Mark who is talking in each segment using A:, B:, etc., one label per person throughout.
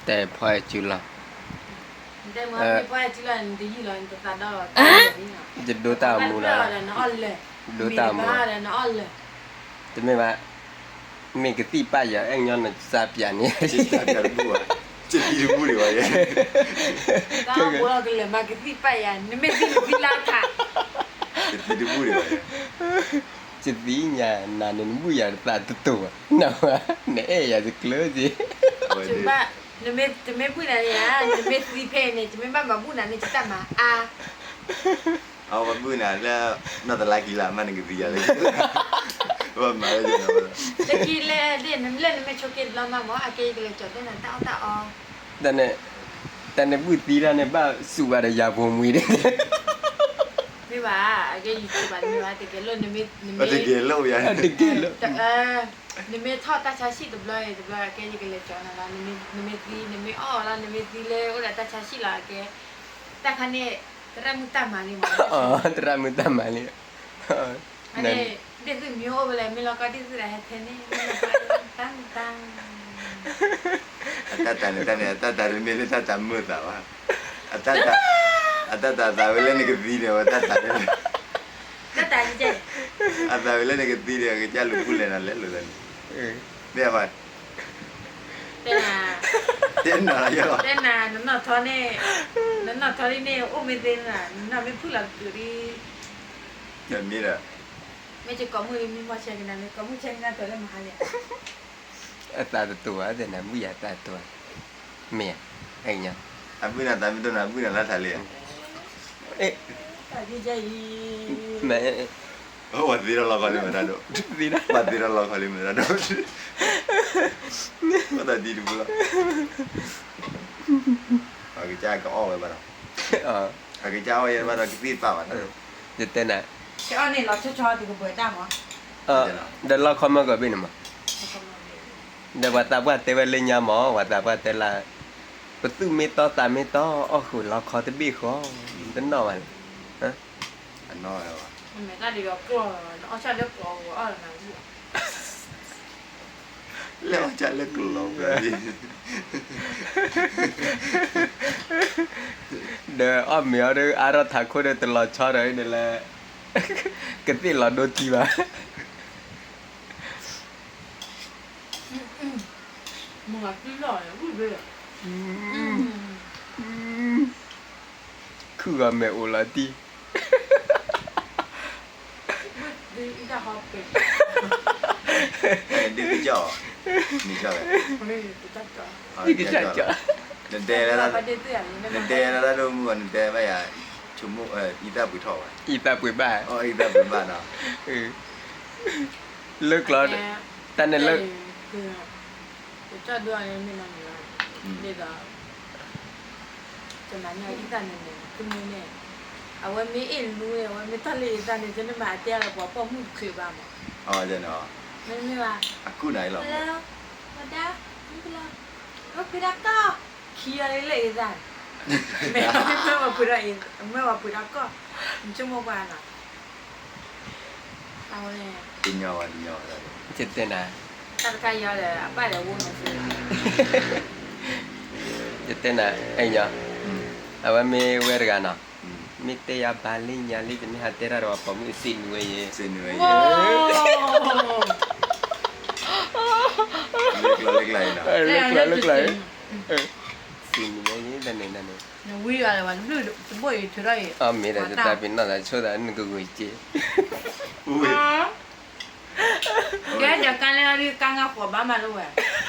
A: แต่พอจุล
B: แต่เมื่อพี่พ่อจุลันดีอยู่เลยตัวตาดอตาดีเนาะ
A: จะดูตามูนะ
B: เนาะอ่อนเลย
A: ดูตามู
B: บ้าเลยเนาะอ่อนเลย
A: จะไม่ว่ามีกติป้ายอย่างเอ็งย้อนซาเปียนี่
C: Cita kan buat. Jadi ibu dia ya.
B: ก็บัวกันเลยมากที่ไปอ่ะนี่ไม่ดีวิลาค่ะ
C: Jadi ibu dia ya.
A: จะดีเนี่ยนานนบุยาตาตัวน่ะว่าเนี่ยอย่าจะกลัวสิ
C: Oh
B: จุ
C: dia.
B: บ้านี่ไม่พูดอะไรอ่ะนี่ไม่ซีเพเนี่ยจะไม่บ้ามาพูดอะไรจะทำมาอ่ะ
C: Awak pun ada nak lagi lah mana gitu ya. Wah malah je nak.
B: ตะกี้เล่นไม่ชอบกินเรามาหมออาเกย์เลยจดได้นั่นตาอ๋อ
A: แต่ในบุตรีแล้วเนี่ยบ้าสู้อะไรยาบวมมือเด้
B: ไม่ว่าอาเกย์อยู่ที่บ้านไม่ว่าแต่แกเล่นนี่ไม่
C: Ada gelo ya.
A: ตะเกียบ
B: นี่ไม่ทอดตาชาชิตบเลยอาเกย์ยังเลยจดนะนี่ไม่ตีนี่ไม่อ้อแล้วนี่ไม่ตีเลยโอ้แต่ตาชาชิละอาเกย์แต่คันนี้แต่มุตตามานี่มั้ง
A: อ๋อตรามุตตามาเลย
B: อันนี้เด็กสิมิโอไปเลยไม่รอก็ที่สุดแล้วเท่านี้ตั้ง
C: Tata ni tata muda wah. Tata wala ni ketir wah tata.
B: ก็ตายเจ๊
C: Tata wala ni ketir ke jalu pula nak lalu kan.
A: เออ
C: Dia apa?
B: เต้นอ่ะ
C: Tena lah ya.
B: เต้นอ่ะนั่นน่ะทอนี่โอ้ไม่เต้นอ่ะนั่นไม่พูดหลักอยู่ดี
C: Dan ni dah.
B: ไม่จะก้มมือมีมาเช็คกันเลยก้มมือเช็คกันตัวเลยมาเลย
A: ตาตัวแต่นะบุยาตาตัวเมียไอ้เนี่ย
C: Abu nak tapi tu nak abu nak lah thali.
A: เอ๊ะ
B: ตายเจ๊
A: แม่
C: Oh, wadir Allah kali merado.
A: ดีนะ
C: Wadir Allah kali merado. Kau tadi di pula. Aku cakap kau awal barang.
A: อ๋อ
C: Aku cakap awal barang kita tahu kan.
A: จะเต้นอ่ะ
B: เช้านี่เราชอบที่กูเปิดได้มั้ง
A: เดี๋ยวเราเข้ามาก่อนเป็นมั้ยเดี๋ยวว่าตาว่าแต่ว่าเล่นยาหมอว่าตาว่าแต่ละประตูเมตอตาเมตออ๋อคือเราขอตะบี้ขอตั้งนอนฮะ
C: Ano ya.
B: ไม่ได้ดีกว่ากูเอาชาเลือกกูเอาอะไรนะ
C: Lewat jalan keluar berarti.
A: เดี๋ยวอ้อมเหมียวเด้ออาราถาโคเด้อตลอดชอเลยนี่แหละกะติเราโดนทีว่า
B: มึงอ่ะกินหน่อยพูดเลย
A: คือว่าแม่โอลาตี
B: ดีอีกแล้วเป็น
C: Dia kejauh. Ni jauh.
B: คนนี้กูจัดจ้ะ
A: นี่ก็จะจะ
C: Nanti
B: แต่
C: lah.
B: ประเด็นตัวอย่างนี้ไม่
C: Nanti lah tu mungkin nanti apa ya. Cuma ida butuh.
A: อีตาปุยบ้า
C: Oh ida bermana.
A: เออเลิกแล้วแต่เนี่ยเลิก
B: คือกูจัดด้วยไม่นานอยู่เด็กอ่ะจะนั่งอย่างอีตาเนี่ยคือมึงเนี่ยเอาไว้ไม่เอ็นรู้เลยว่าไม่ทะเลอีตาเนี่ยจะไม่มาเตี้ยแล้วพอมึงเคยบ้างมั้ง
C: Oh jangan.
B: ไม่ว่า
C: Aku naik lah.
B: แล้วมาด้าไม่เป็นไรก็คือดักก็เคลียร์เลยจ้ะไม่ว่าพูดอะไรไม่ว่าพูดดักก็มันจะมาบ้านอ่ะเอาเลย
C: Tinyawa.
A: เจ็ดเต้นอ่ะ
B: ตัดกายยาวเลยอ่ะป้าเดี๋ยววุ่นเลย
A: เจ็ดเต้นอ่ะไอ้เนี่ยเอาว่ามีเวรกันอ่ะมีเตียบาลิญาลิจะมีหาเตระรอปมีสินเวย
C: Sini
B: โอ้
C: aja. Leg lain lah.
A: เลิกเลยสินเวยนี่นั่นนี่
B: เนี่ยวิ่งอะไรวะนู่นจะบ่อยเท่าไร
A: อ๋อมีแต่จะตาเป็นนั่นแหละช่วยได้นึกกูจี
C: Ui.
B: แกเดี๋ยวกันเลยนะที่กันกับหัวบ้ามาด้วย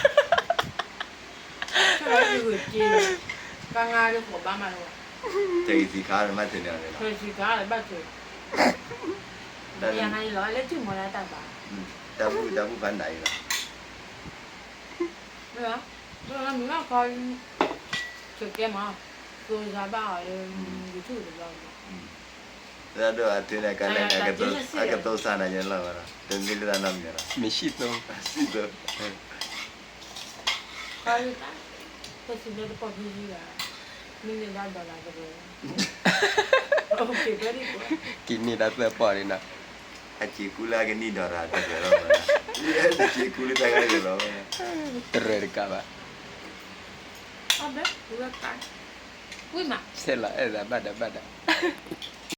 B: ช่วยได้ดูจีกันกับหัวบ้ามาด้วย
C: Cari si kar macam ni lah.
B: เคยสิคะอะไรบ้างเคยยังไงร้อยแล้วถึงหมดแล้วแต่บ้า
C: Jamu pandai lah.
B: ไม่เหรอเราไม่ว่าคอยช่วยแกมาตัวชาวบ้านอยู่ที่อื่นเรา
C: Dah ada hati nak kalah agak tahu sana je lah mana. Dan bila tanam je lah.
A: มีชีพตรง
C: Situ.
B: คอยตั้งก็สิ่งเดียวพอพี่จีอ่ะมีเงินได้ดอลลาร์ก็เลยโอเคก็ดีกว่า
A: กินนี่ได้เสื้อปอนี่นะ
C: Haji kula ke ni dah rata je lah mana. Ya, haji kula tak ada je lah mana.
A: เตรกะบะ
B: bé, vừa cái. Ui mà.
A: Se la, bada.